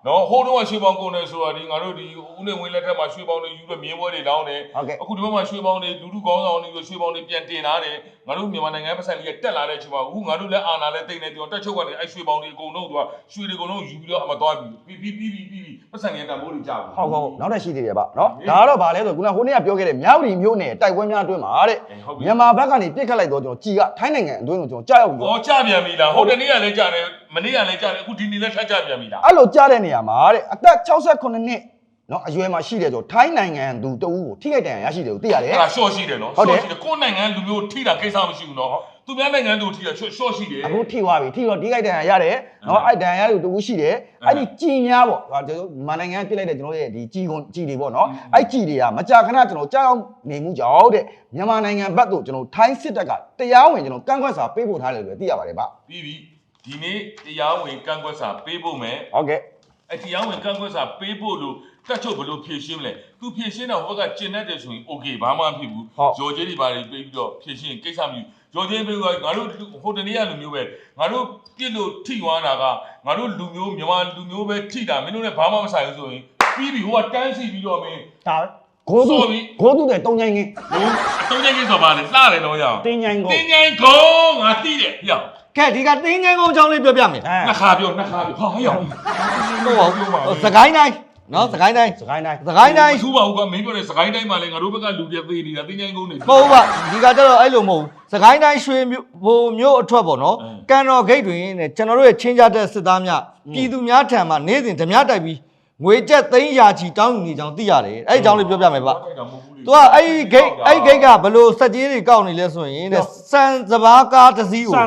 နော်ဟိုတုန်းကရွှေပေါင်းကုန်တယ်ဆိုတာဒီငါတို့ဒီဦးနေဝင်းလက်ထက်မှာရွှေပေါင်းတွေယူပြီးမြင်းပွဲတွေလောင်းတယ်အခုဒီဘက်မှာရွှေပေါင်းတွေလူလူကောင်းဆောင်တွေရွှေပေါင်းတွေပြန်တင်လာတယ်ငါတို့မြန်မာနိုင်ငံပတ်စံလေးတက်လာတဲ့အချိန်မှာအခုငါတို့လည်းအာဏာလည်းတိတ်နေတယ်တက်ချုပ်ကနေအဲ့ရွှေပေါင်းတွေအကုန်လုံးသူကရွှေတွေအကုန်လုံးယူပြီးတော့အမသွားပြီးပတ်စံလေးတန်ဖိုးတွေကြာဘူး
ဟုတ်နောက်တစ်ရှိသေးတယ်ဗျနော်ဒါကတော့ဗာလဲဆိုခုနဟိုနေ့ကပြောခဲ့တဲ့မြောက်ဒီမျိုးနဲ့တိုက်ပွဲများအတွင်းမှာတဲ့မြန်မာဘက်ကနေပြစ်ခတ်လိုက်တော့ကျွန်တော်ကြီးကထိုင်းနိုင်ငံအတွင်းကိုကျွန်တော်ကြားရောက်ပြီး
တော့ကြာပြန်ပြီလားဟိုတနေ့ကလည်းကြာတယ်မနေ့ကလည်းကြာတယ်အခုဒီနေ့လည်းထပ်ကြာပြန်ပြီလား
အဲ့လိုကြားတဲ့နေရာမှာတဲ့အသက်68နှစ်နော်အရွယ်မှာရှိတယ်ဆိုထိုင်းနိုင်ငံသူတဦးကိုထိခိုက်ဒဏ်ရာရရှိတယ်ကိုသိရတယ်
အဲ့ဒါရှော့ရှိတယ်နော်ရှော့ရှိတယ်ကိုယ်နိုင်ငံလူမျိုးထိတာကိစ္စမရှိဘူးနော်သူများနိုင်ငံသူထိတာရှော့ရှိတယ်
အခုထိသွားပြီထိတော့ထိခိုက်ဒဏ်ရာရတယ်နော်အဲ့ဒဏ်ရာရသူတဦးရှိတယ်အဲ့ဒီကြီးများပေါ့ကျွန်တော်မြန်မာနိုင်ငံပြစ်လိုက်တဲ့ကျွန်တော်ရဲ့ဒီကြီးကွန်ကြီးတွေပေါ့နော်အဲ့ကြီးတွေကမကြာခဏကျွန်တော်ကြောက်နေမှုကြောင့်တဲ့မြန်မာနိုင်ငံဘက်သို့ကျွန်တော်ထိုင်းစစ်တပ်ကတရားဝင်ကျွန်တော်ကန့်ကွက်စာပေးပို့ထားတယ်လို့သိရပါတယ်ဗျ
ပြီးပြီဒီနေ့တရားဝင်ကန့်ကွက်စာပေးဖို့မယ်
ဟုတ်ကဲ့
အဲ့တရားဝင်ကန့်ကွက်စာပေးဖို့လို့တက်ချုပ်ဘလို့ဖြည့်ရှင်းမလဲသူဖြည့်ရှင်းတော့ဟိုဘက်ကကျင်တတ်တယ်ဆိုရင် okay ဘာမှမဖြစ်ဘူးရော်ကျေးတွေပါတွေပေးပြီးတော့ဖြည့်ရှင်းကိစ္စမရှိဘူးရော်ကျေးပေးကငါတို့ဟိုတနေ့ကလူမျိုးပဲငါတို့ပြစ်လို့ထိသွားတာကငါတို့လူမျိုးမြန်မာလူမျိုးပဲထိတာမင်းတို့လည်းဘာမှမဆိုင်ဘူးဆိုရင်ပြီးပြီဟိုကတန်းစီပြီးတော့မင်း
ဒါပဲဂိုးသူတဲ့တုံးချိုင်းကင်း
တုံးချိုင်းကင်းဆိုပါလေလှတယ်တော့ရအောင်
တင်းချိုင်းကု
န်းငါသိတယ်ဟျော
ကဲဒီကတင်းချိုင်းကုန်းအကြောင်းလေးပြောပြမယ်
နှစ်ခါပြောဟာဟျော
စကိုင်းတိုင်းနော်စကိုင်းတိုင်းထူ
ပါဦးကမင်းပြောတဲ့စကိုင်းတိုင်းမှာလည်းငါတို့ဘက်ကလူပြသေးနေတာတင်းချိုင်းကုန်းနေ
ဟုတ်ပါဒီကကျတော့အဲ့လိုမဟုတ်ဘူးစကိုင်းတိုင်းရွှေမျိုးအထွက်ပေါ့နော်ကန်တော်ဂိတ်တွင်နဲ့ကျွန်တော်တို့ရဲ့ချင်းကြတဲ့စစ်သားများပြည်သူများထံမှာနေ့စဉ်ဓမြတိုက်ပြီးငွေကျပ်သိန်းရာချီတောင်းယူနေကြောင်းသိရတယ်အဲ့အကြောင်းလေးပြောပြမယ်ဗျသူကအဲ့ဂိတ်ကဘလို့စက်ကြီးတွေကောက်နေလဲဆိုရင်တဲ့စံစဘာကားတစ်စီးကို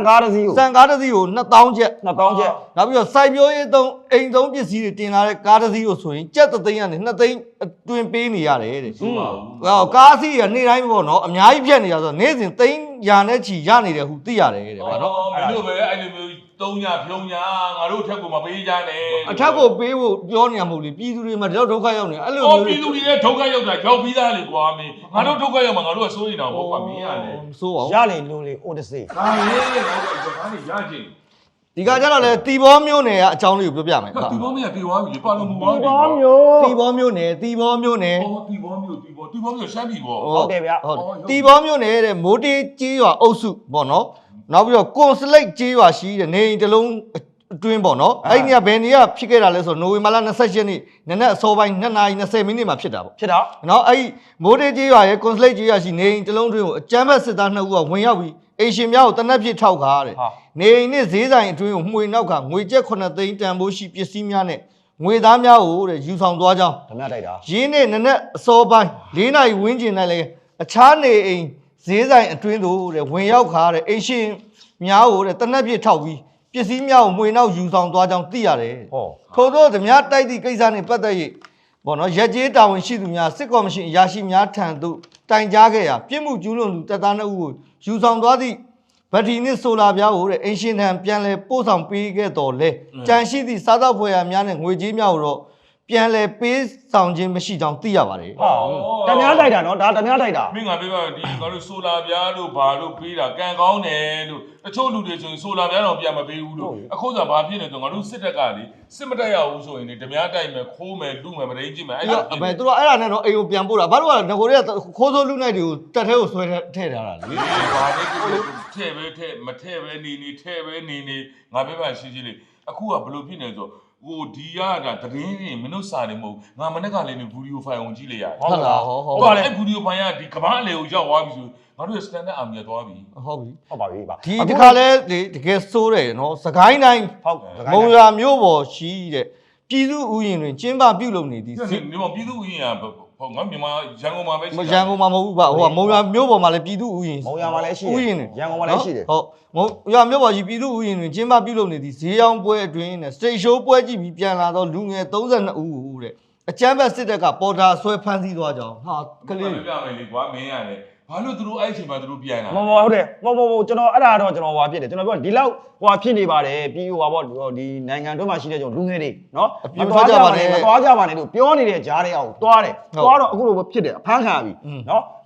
2000ကျပ်
နောက်ပြီး
တော့စိုက်ပျိုးရေးသုံးအိမ်သုံးပစ္စည်းတွေတင်လာတဲ့ကားတစ်စီးကိုဆိုရင်ကျပ်3သိန်းကနေ2သိန်းအတွင်းပေးနေရတယ်တဲ့ဟုတ်ကားစီးကနေ့တိုင်းပေါ့နော်အများကြီးပြတ်နေရဆိုနေ့စဉ်သိန်းရာနဲ့ချီရနေတယ်ဟုသိရတယ်တဲ့ဗျာနော်
မင်းတို့ပဲအဲ့လိုမျိုး3ညဖြုံညာငါတို့ထက်ကိုမပေးကြနဲ့
အထက်ကိုပေးဖို့ပြောနေရမဟုတ်လေပြည်သူတွေမှာဒီလောက်ဒုက္ခရောက်နေအဲ့လို
မျိုးပြည်သူတွေရဲ့ဒုက္ခရောက်တာရောက်ပြီးသားလေကွာမင်းငါတို့ဒုက္ခရောက်မှာငါတို့ကစိုးနေတာပေါ့ကွာမင်းရတယ်
စိုးပါ
ရလေလို့လေအိုတစေ
ဒါလေးတော့ဒါနေရချင်း
ဒီကကြတော့လေတီဘောမျိုးနယ်ကအကြောင်းလေးကိုပြောပြမယ်
တီဘောမျိုးကပြေသွားပြီပါလုံးမူပါ
တီဘောမျိုးနယ်
တီဘောမျိုးရှမ်းပြည်ပေါ့
ဟုတ်တယ်ဗျ
ဟုတ်တီဘောမျိုးနယ်တဲ့မိုးတေးကြီးရွာအုပ်စုပေါ့နော်နောက်ပြီးတော့ကွန်စလိတ်ကြီးရွာရှိတဲ့နေအိမ်တစ်လုံးအတွင်းပေါ့နော်အဲ့ဒီကဘယ်နေရဖြစ်ခဲ့တာလဲဆိုနိုဝင်ဘာလ28ရက်နေ့နနက်အစောပိုင်း2:20မိနစ်မှာဖြစ်တာပေါ့
ဖြစ်တော့
နော်အဲ့ဒီမိုးတေးကြီးရွာရဲ့ကွန်စလိတ်ကြီးရွာရှိနေအိမ်တစ်လုံးအတွင်းကိုအကြမ်းဖက်စစ်သား2ဦးကဝင်ရောက်ပြီးအိမ်ရှင်များကိုတနက်ဖြစ်ထောက်ခါတဲ့နေအိမ်နဲ့ဈေးဆိုင်အတွင်းကိုမှွေနောက်ကငွေကျပ်9သိန်းတန်ဖိုးရှိပစ္စည်းများနဲ့ငွေသားများကိုတဲ့ယူဆောင်သွားကြောင်း
ဓမြတိုက်တာ
ရင်းနဲ့နနက်အစောပိုင်း4နာရီဝန်းကျင်၌လည်းအခြားနေအိမ်ဈေးဆိုင်အတွင်းသို့တဲ့ဝင်ရောက်ခါတဲ့အိမ်ရှင်များကိုတဲ့တနက်ပြစ်ထောက်ပြီးပစ္စည်းများကိုမှွေနောက်ယူဆောင်သွားကြောင်းသိရတယ်ထို့သောဓမြတိုက်သည့်ကိစ္စနှင့်ပတ်သက်၍ဘောနော်ရက်ကျေးတာဝန်ရှိသူများစစ်ကော်မရှင်အရာရှိများထံသို့တိုင်ကြားခဲ့ရာပြစ်မှုကျူးလွန်သူတပ်သား2ဦးကိုယူဆောင်သွားသည့်ဗတ်တီနစ်ဆိုလာပြားကိုတဲ့အင်ရှင်ထံပြန်လဲပို့ဆောင်ပေးခဲ့တော်လဲကြံရှိသည့်စားသောက်ဖွယ်ရာများနဲ့ငွေကြေးများကိုတော့ပြန်လဲပေးဆောင်ခြင်းမရှိကြောင်းသိရပါတယ်
ဓမြတိုက်တာနော်ဒါဓမြတိုက်တာ
မင်းငါပြောပါဒီငါတို့ဆိုလာပြားလို့ဘာလို့ပေးတာကံကောင်းတယ်လို့တချို့လူတွေဆိုရင်ဆိုလာပြားတော့ပြန်မပေးဘူးလို့အခုဆိုဘာဖြစ်နေဆိုငါတို့စစ်တပ်ကလေစစ်မတက်ရဘူးဆိုရင်လေဓမြတိုက်မယ်ခိုးမယ်လူမယ်မရင်းကြည့်မယ်
အဲ့ဒါအမေတို့အဲ့ဒါနဲ့တော့အိမ်ကိုပြန်ပို့တာဘာလို့ကငကိုတွေကခိုးဆိုးလူနိုင်တွေကိုတက်ထဲကိုဆွဲထည့်ထားတာလေ
ဘာလဲထဲ့ပဲထဲ့မထဲ့ပဲနေထဲ့ပဲနေငါပြောပါရှင်းရှင်းလေးအခုကဘလို့ဖြစ်နေဆိုဟိုဒီကဒါတရင်နေမင်းတို့စာနေမဟုတ်ငါမနေ့ကလည်းဗီဒီယိုဖိုင်ဝင်ကြည့်လိုက်ရတယ်
ဟုတ်လား
ဟုတ်ပါလေဗီဒီယိုဖိုင်ကဒီကမ္ဘာအလေကိုရောက်သွားပြီဆိုငါတို့ standard army ကသွားပြီ
ဟုတ်ပါပြီပါ
ဒီခါလဲတကယ်စိုးတယ်နော်စကိုင်းတိုင်းမုံရွာမြို့ပေါ်ရှိတဲ့ပြည်သူဥယျာဉ်တွင်ကျင်းပပြုလုပ်နေသည်
ဒီမှာပြည်သူဥယျာဉ်ကဟုတ်ငါမြန်မာရန်ကုန်မှာပဲရှိ
ရန်ကုန်မှာမဟုတ်ဘူးဗျဟိုကမုံရွာမြို့ပေါ်မှာလည်းပြည်သူဥယျာဉ်
မုံရွာမှာလည်းရှိတယ်ရန်ကုန်မှာလည်းရှိတယ်
ဟုတ်မုံရွာမြို့ပေါ်ရှိပြည်သူဥယျာဉ်တွင်ကျင်းပပြုလုပ်နေသည်ဈေးရောင်းပွဲအတွင်းနဲ့စတိတ်ရှိုးပွဲကြည့်ပြီးပြန်လာတော့လူငယ်32ဦးတဲ့အကြမ်းဖက်စစ်တပ်ကပေါ်တာဆွဲဖမ်းဆီးသွားကြောင်းဟာ
ကလေးပြမယ်လေကွာမင်းရတယ်ဘာလို့သူတို့အဲ့အချိန်မှာသူတို့ပြန်လာ
မဟုတ်တယ်မဟုတ်ကျွန်တော်အဲ့ဒါတော့ကျွန်တော်ဟွာဖြစ်တယ်ကျွန်တော်ပြောဒီလောက်ဟွာဖြစ်နေပါတယ်ပြီးဟွာပေါ့ဒီနိုင်ငံတွင်းမှာရှိတဲ့ကျွန်တော်လူငယ်တွေနော်မသွားကြပါနဲ့လို့ပြောနေတဲ့ဂျားတွေအောင်သွားတယ်သွားတော့အခုလိုဖြစ်တယ်အဖမ်းခံရပြီနော်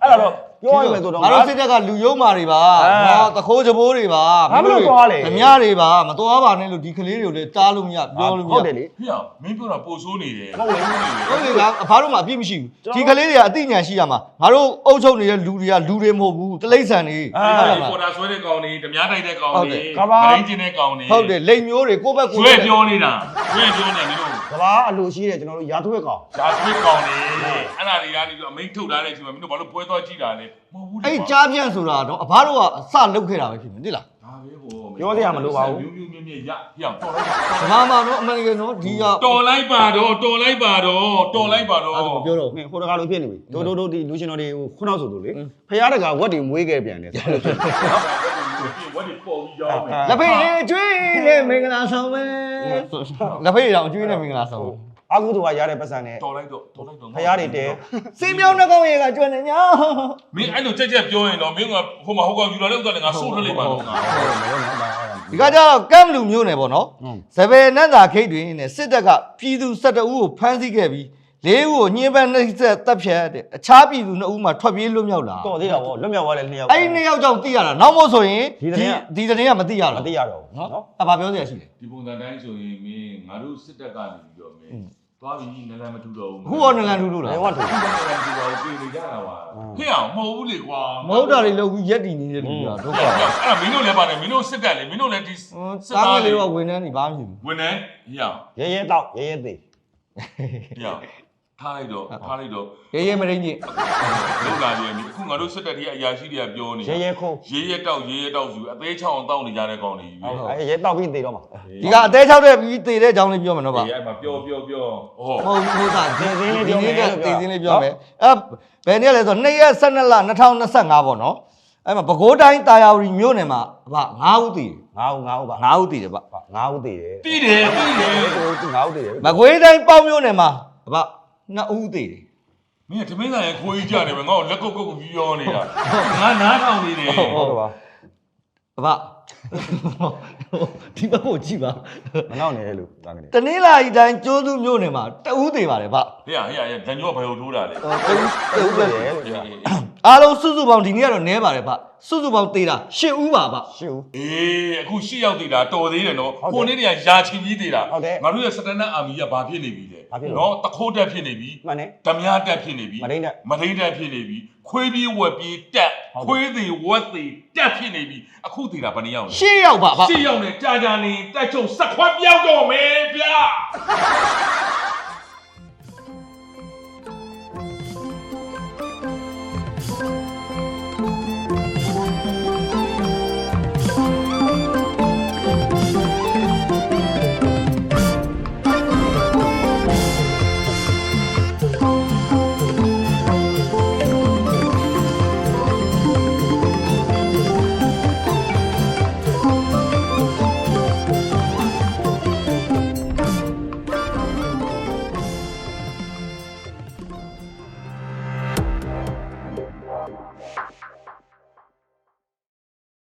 အဲ့ဒါတော့ပြောရမယ်ဆိုတော့
ငါတို့စစ်တပ်ကလူယုံမာတွေပါနော်တခိုးကြဘိုးတွေပါဓမြတွေပါမတော်ပါနဲ့လို့ဒီကလေးတွေကိုလည်းတားလို့မရပြောလို့မရ
ဟုတ်တယ်လေ
ဖေမင်းပြောတာပို့ဆိုးနေတယ်
ဟုတ်တယ်
ဟုတ်လေကအဖားတို့မှအပြစ်မရှိဘူးဒီကလေးတွေကအသိဉာဏ်ရှိရမှာငါတို့အုပ်ချုပ်နေတဲ့လူတွေကလူတွေမဟုတ်ဘူးတလိမ့်ဆန်တွေ
ပေါ်တာဆွဲတဲ့ကောင်တွေဓမြတိုက်တဲ့ကောင်တွေမရင်းကျင်တဲ့ကောင်တွေ
ဟုတ်တယ်လိမ်မျိုးတွေကိုယ့်ဘက်ကို
ဆွဲပြောနေတာဆွဲပြောနေတယ်လို့
ကဘာအလိုရှိတယ်ကျွန်တော်တို့ရာသွဲကောင်
ဒါဆွဲကောင်တွေအဲ့ဒါတွေကနေပြီးအမိန်ထုတ်ထားတဲ့အချိန်မှာမင်းတို့ဘာလို့ပွဲသွားကြည့်တာလဲမဟုတ်ဘူးလေ
အဲ့ကြားပြန့်ဆိုတာတော့အဖားတို့ကအစလုပ်ခဲ့တာပဲဖြစ်မယ်သိလား
ဒါပဲဟိုမြမြရပြောင်းတော်လိုက်
ဓမ္မမှာတော့အမှန်တကယ်တော့ဒီက
တော်လိုက်ပါတော့တော်လိုက်ပါတော့တော်လိုက်ပါတော့
အဲ့ဒါပြောတော့
မင်းဟိုတကားလိုဖြစ်နေပြီတို့ဒီလူရှင်တော်တွေခုနောက်ဆိုလို့လေဖရားတကာဝက်တွေမွေးခဲ့ပြန်တယ်ဆိုလို့ဖြစ်နော်
ဝတ်ဒီပေါ်ပြီးရောင်းမယ်
လက်ဖေးလေးကျွေးလေးမင်္ဂလာဆောင်ပဲလက်ဖေးတော့ကျွေးနေမင်္ဂလာဆောင်
အာကုသူကရတဲ့ပတ်စံနဲ့
တော်လိုက်တော့
ဖရားတွေတဲ
စေးမြောင်းနှကောင်ရေကကျွမ်းနေညာ
မင်းအဲ့လိုကြက်ကြက်ပြောရင်တော့မင်းကဟိုမှာဟိုကောင်ယူလာတဲ့ဥစ္စာလည်းငါစိုးထွက်လိုက်ပါတော့ငါ
ဒီကကြတော့ကမ်လူမျိုးနယ်ပေါ့နော်စပယ်နတ်သာခိတ်တွင်နဲ့စစ်တပ်ကပြည်သူ12ဦးကိုဖမ်းဆီးခဲ့ပြီး၄ဦးကိုညှင်းပန်းနှိပ်စက်တပ်ဖြတ်တဲ့အခြားပြည်သူ2ဦးမှထွက်ပြေးလွတ်မြောက်လာ
တော့သေးတာဗောလွတ်မြောက်သွားတဲ့2ယောက်
အဲ့ဒီ2ယောက်ကြောင့်သိရတာနောက်မို့ဆိုရင်ဒီတနေ့ကမသိရ
မ
တော့
သိရတော့ဘူး
နော်
နော်
အဲ့ဘာပြောစရာရှိလဲ
ဒီပုံစံတိုင်းဆိုရင်မင်းငါတို့စစ်တပ်ကနေပြီးတော့မင်းသွားပြီးနလန်မထူတော့ဘူး
ခုရောနလန်ထူလို့လား
ဘယ်ဝတ်ထူ
နလန်ထူတော့ပြေနေကြတာပါဟဲ့အောင်မဟုတ်ဘူးလေကွာ
မဟုတ်တာတွေလုပ်ပြီးရက်တည်နေတဲ့လူတွေကဒုက္ခ
အဲ့ဒါမင်းတို့လည်းပါတယ်မင်းတို့စစ်တပ်လေမင်းတို့လည်းဒီစစ်
စား
သား
ကလေးတော့ဝန်ထမ်းတွေဘာမှမဖြစ်ဘူး
ဝင်နေဟဲ့အောင်
ရဲတော့ရဲသေး
ဟဲ့အောင်ထားလိုက်တော့
ရဲရဲမရင်းကြီး
လောက်လာပြန်ပြီအခုငါတို့စစ်တပ်တွေအရာရှိတွေကပြောနေ
ရဲခုံး
ရေးရတောက်ယူအသေးချောင်းအောင်တောက်နေကြတဲ့ကောင်တွေ
အဲရဲတော့ပြီးသေးတော့မှာ
ဒီကအသေးချောက်တဲ့ပြီးတည်တဲ့အကြောင်းလေးပြောမယ်နော်ဗျ
အေးအဲ့မှာပြောဟော
ဟုတ်ဟုတ်တာဒီစင်းလေးပြောမယ်ဒီစင်းလေးပြောမယ်ဘယ်နေ့လဲဆို2ရက်12လ2025ပေါ့နော်အဲ့မှာပဲခူးတိုင်းတာယာဝတီမြို့နယ်မှာဗျ9ဦးတည်
9ဦးပါ
9ဦးတည်တယ်ဗျ
9ဦးသေးတယ်
ပြီးတယ်
သူ9ဦးသေးတယ်
မကွေးတိုင်းပေါ့မြို့နယ်မှာဗျ2ဦးတည်တယ်
မင်းကသမင်းသားရဲ့ခိုးကြီးကြတယ်ပဲငါ့ကိုလက်ကုတ်ပြီးပြောနေတာငါနားထောင်နေတယ်
ဟုတ်ကဲ့ပါ
ဗျဒီဘက်ကိုကြည့်ပါ
မနောက်နေတယ်လို့ဒါကနေ
တနင်္လာရီတိုင်းကျိုးစုမြို့နယ်မှာ2ဦးတည်ပါတယ်ဗျ
ဟေ့ဒန်ကျော်ကဘယ်လိုထိုးတာလဲ
တူပဲလို့ပြော
အားလုံးစုစုပေါင်းဒီနေ့ကတော့နည်းပါတယ်ဗျစုစုပေါင်းတည်တာ10ဦးပါဗျ
ရှူ
အေးအခု၈ယောက်တည်တာတော်သေးတယ်နော်ခုနေ့တည်းကယာချီကြီးတည်တာငါတို့ရဲ့စတန်ဒတ်အာမီကဘာဖြစ်နေပြီလဲနော်တခိုးတက်ဖြစ်နေပြီ
မှန်တယ်
ဓမြတက်ဖြစ်နေပြီ
မဒိန်းတက်
မဒိန်းတက်ဖြစ်နေပြီခွေးပြေးဝက်ပြေးတက်ခွေးသေးဝက်သေးတက်ဖြစ်နေပြီအခုတည်တာဘယ်နှယောက်လဲ
10ယောက်ပါဗျ
ရှစ်ယောက်နဲ့ကြာကြာနေတက်ချုံဆက်ခွက်ပြောက်တော့မယ်ဗျာ